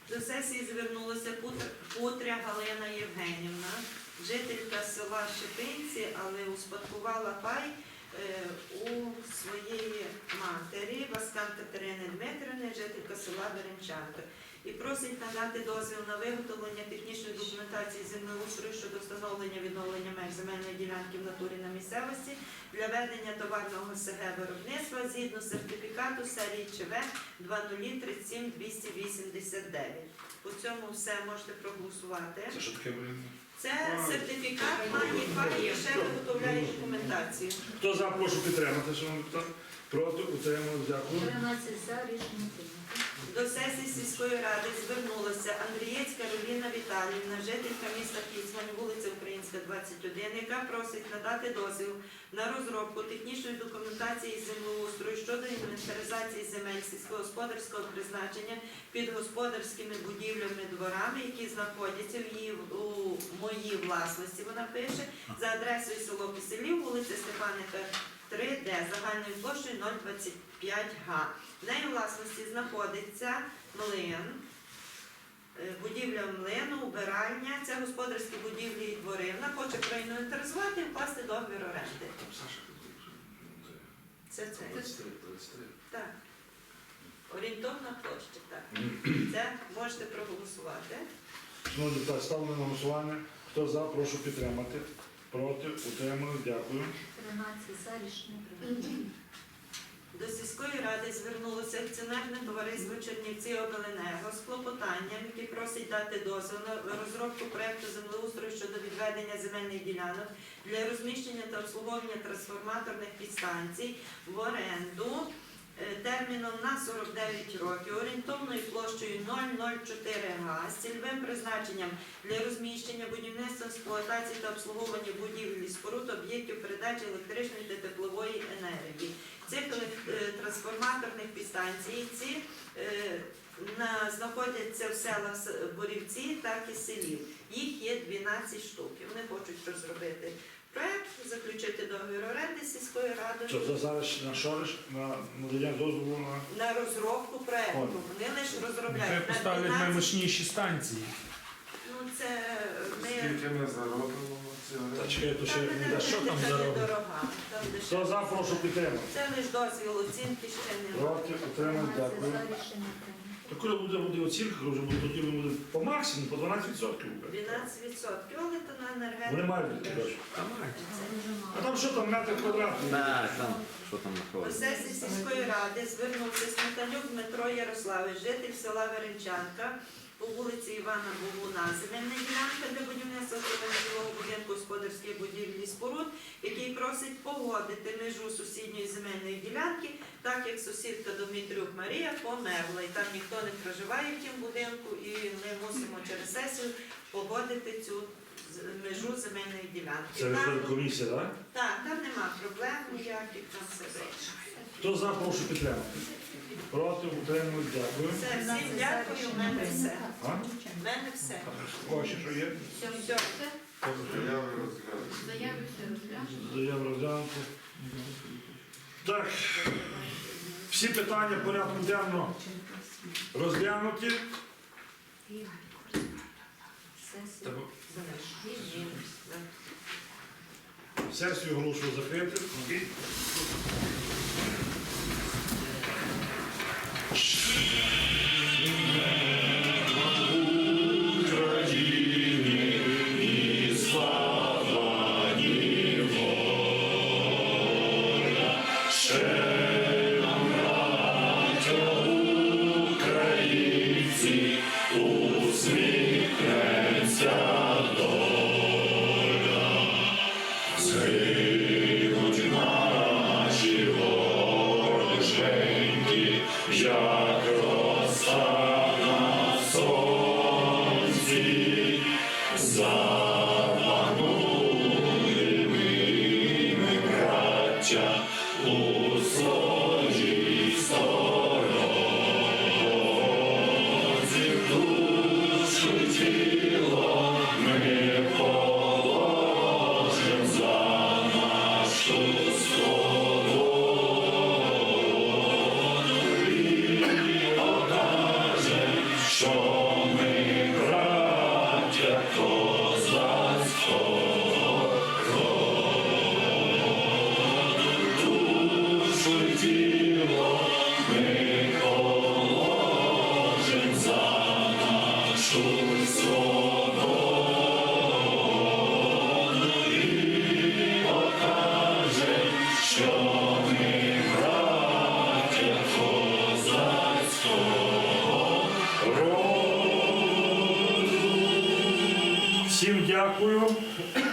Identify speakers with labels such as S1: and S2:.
S1: До сесії звернулася Путря Галина Євгенівна, жителька села Шипинці, але успадкувала пай у своєї матері, Васкан Катерини Дмитрівни, жителька села Веренчанка. І просить надати дозвіл на виготовлення технічної документації землеустрою щодо встановлення відновлення меж земельної ділянки в натурі на місцевості для ведення товарного СГ виробництва згідно сертифікату серії ЧВ 2037289. По цьому все можете проголосувати.
S2: Це що таке, блін?
S1: Це сертифікат має пай і ще виготовляє документацію.
S2: Хто за, прошу підтримати, шановні депутати. Проти, утримали, дякую.
S3: 13 за, рішення прийнято.
S1: До сесії сільської ради звернулася Андрієць Кароліна Віталіївна, жителька міста Кіцмань, вулиця Українська, 21, яка просить надати дозвіл на розробку технічної документації із землеустрою щодо інвентаризації земель сільськогосподарського призначення під господарськими будівлями, дворами, які знаходяться у моїй власності, вона пише, за адресою село Киселів, вулиця Степаника, 3Д, загальною площею 025 га. В неї власності знаходиться млин, будівля млину, убиральня, це господарські будівлі і двори. Вона хоче проінвентаризувати і вкласти договір оренди. Це. Так. Орієнтовна площа, так. Це можете проголосувати.
S2: Шановні депутати, ставлю на голосування. Хто за, прошу підтримати. Проти, утримали, дякую.
S3: 13 за, рішення прийнято.
S1: До сільської ради звернулося акціонерне товариство Чернівці Обленерго з клопотанням, яке просить дати дозвіл на розробку проєкту землеустрою щодо відведення земельних ділянок для розміщення та обслуговування трансформаторних підстанцій в оренду терміном на 49 років, орієнтовною площею 004 га, з цільовим призначенням для розміщення, будівництва, експлуатації та обслуговування будівель і споруд, об'єктів передачі електричної та теплової енергії. Цих трансформаторних підстанцій знаходяться в селах Борівці, так і селів. Їх є 12 штук. Вони хочуть розробити проєкт, заключити договір оренди з сільською радою.
S2: Що, це зараз на шориш, на надання дозволу
S1: На розробку проєкту. Вони лише
S4: Нехай
S1: розробляють.
S4: поставлять наймощніші станції.
S1: Ну, це ми...
S5: Скільки ми заробимо ці
S2: Та чекай, то ще
S1: Там
S2: не
S1: не
S2: дасть.
S4: що там
S1: це
S4: заробить?
S1: недорога. Там
S2: Хто
S1: дешевше.
S2: за, прошу підтримати.
S1: Це лише дозвіл оцінки, ще не
S2: Проти, утримали,
S3: 13
S2: дякую.
S3: за, рішення прийнято.
S2: То коли буде оцінка, вже буде, тоді буде по максимуму, по 12%.
S1: 12%. Але то на енергетику.
S2: Вони мають бути, кажуть.
S3: Це дуже
S2: А
S3: мало.
S2: там що там, метр квадратний?
S6: Так, там, що там
S1: До
S6: знаходиться?
S1: сесії сільської ради звернувся Сметанюк Дмитро Ярославович, житель села Веренчанка, по вулиці Івана Богуна. Земельна ділянка для будівництва жилого будинку господарських будівлі і споруд, який просить погодити межу сусідньої земельної ділянки, так як сусідка Домітрюк Марія померла. І там ніхто не проживає в тім будинку, і ми мусимо через сесію погодити цю межу земельної ділянки.
S2: Це виходить комісія, так?
S1: Так, там нема проблем ніяких, там все вирішено.
S2: Хто за, прошу підтримати. Проти, утримали, дякую.
S1: Все, всім дякую, в мене все.
S2: А?
S1: В мене все.
S2: Ось що є?
S1: Все.
S5: заяви розглядають?
S3: Заяви все розглянуто.
S2: Заяву розглянути. Так, всі питання порядку денного розглянуті.
S3: Сесія.
S2: Сесію оголошую закрити. Всім дякую.